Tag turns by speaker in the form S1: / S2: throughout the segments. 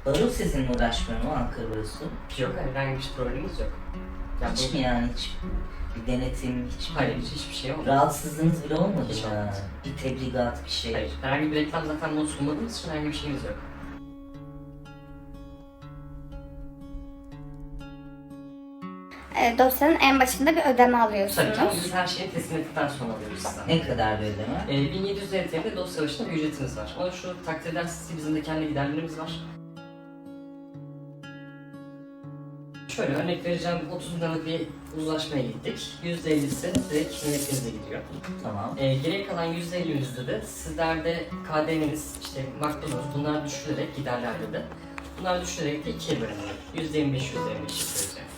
S1: Baro sizinle uğraşmıyor mu Ankara Barosu?
S2: Yok, herhangi bir problemimiz yok. Ya
S1: Hiç mi yani hiç bir denetim, hiç mi?
S2: Hayır, hiçbir şey olmadı.
S1: Rahatsızlığınız bile olmadı
S2: Hiç
S1: mı?
S2: olmadı.
S1: Bir tebligat, bir şey.
S2: Hayır, herhangi bir reklam zaten bunu sunmadığımız için herhangi bir şeyimiz yok.
S3: Dosyanın en başında bir ödeme
S2: Tabii
S3: alıyorsunuz.
S2: ki biz her şeyi teslim ettikten sonra alıyoruz sizden.
S1: Ne kadar bir ödeme?
S2: 1700 TL'de dosya başına bir ücretimiz var. Ama şu takdir edersiniz ki bizim de kendi giderlerimiz var. Şöyle örnek vereceğim, 30 bin liralık bir uzlaşmaya gittik. %50'si direkt milletinize gidiyor.
S1: Tamam.
S2: Geriye kalan %50'imizde de sizlerde KDV'niz, işte makbuzunuz, bunlar düşürülerek giderlerde de. Bunlar düşürülerek de ikiye bölünüyor. %25 yapıyoruz yani.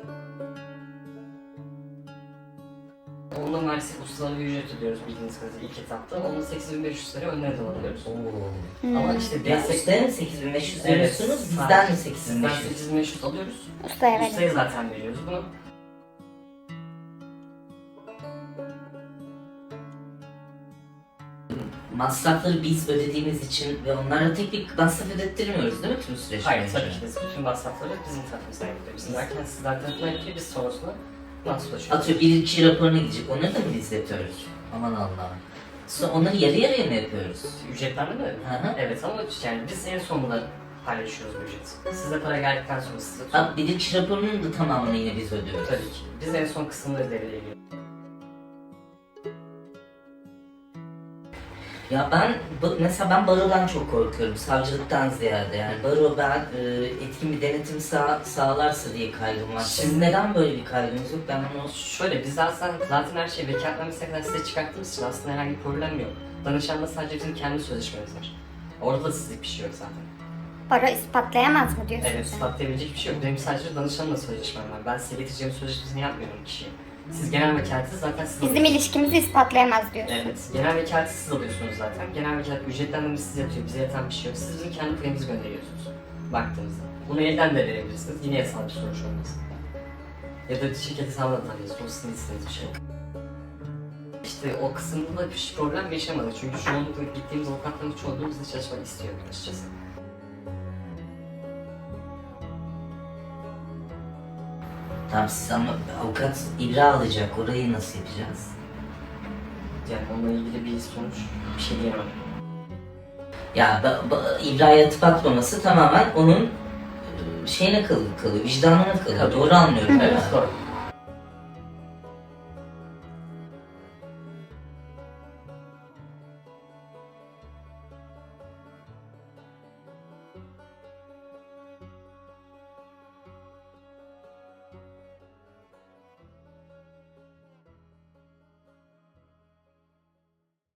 S2: Onunla maalesef ustalara bir ücret ödüyoruz bildiğiniz kadarıyla ilk etapta. Onun 8500 lira önden alıyoruz. Ama işte
S1: Ya
S2: destek...
S1: ustaya mı 8500
S2: Evet,
S1: veriyorsunuz,
S2: sadece
S1: bizden mi
S2: Sizden
S1: 8500?
S2: 8500 alıyoruz.
S3: Ustaya verin.
S2: Ustaya zaten veriyoruz bunu.
S1: Masrafları biz ödediğimiz için ve onlara tek bir masraf ödettirmiyoruz değil mi tüm süreç
S2: Hayır,
S1: boyunca?
S2: tabii ki biz bütün masrafları bizim tarafımızdan yapıyoruz. Bizim derken sizler tarafından yapıyor, biz sonrasında nasıl ulaşıyoruz?
S1: Atıyor bir iki raporuna gidecek, onları da mı biz yapıyoruz? Aman Allah'ım. Sonra onları yarı yarıya mı yapıyoruz?
S2: Ücretlendirme mi?
S1: Hı hı.
S2: Evet ama yani biz en sonunda paylaşıyoruz bu ücreti. Size para geldikten sonra size
S1: Abi bir iki raporunun da tamamını yine biz ödüyoruz.
S2: tabii ki. Biz en son kısımları devreye giriyoruz.
S1: Ya ben mesela ben barodan çok korkuyorum, savcılıktan ziyade yani baro etkin bir denetim sağlarsa diye kaygım var. Siz neden böyle bir kaygınız yok? Ben onu
S2: Şöyle biz zaten her şeyi vekaletnamesine kadar size çıkarttığımız için aslında herhangi bir problem yok. Danışanla sadece bizim kendi sözleşmemiz var. Orada da sizlik bir şey yok zaten.
S3: Baro ispatlayamaz mı diyorsun
S2: Evet,
S3: sen?
S2: ispatlayabilecek bir şey yok. Benim sadece danışanla sözleşmem var. Ben size getireceğim sözleşmesini yapmıyorum kişiye. Siz genel vekaleti zaten siz
S3: Bizim
S2: alıyorsunuz.
S3: ilişkimizi ispatlayamaz diyorsun.
S2: Evet, genel vekaleti siz alıyorsunuz zaten. Genel vekalet ücretlendirmesi size yatıyor, bize yatan bir şey yok. Siz bizim kendi payımızı gönderiyorsunuz baktığınızda. Bunu elden de verebilirsiniz, yine yasal bir sonuç olmaz. Ya da şirket hesabına da tanıyorsunuz, o sizin istediğiniz bir şey. İşte o kısımda da hiç problem yaşamadık çünkü çoğunlukla gittiğimiz avukatların çoğunluğu bizle çalışmak istiyor açıkçası.
S1: Tamam siz ama avukat ibra alacak, orayı nasıl yapacağız?
S2: Yani onunla ilgili bir sonuç, bir şey diyemem.
S1: Ya ibraya atıp atmaması tamamen onun şeyine kalıyor, vicdanına kalıyor. Doğru anlıyorum.
S2: Evet, doğru.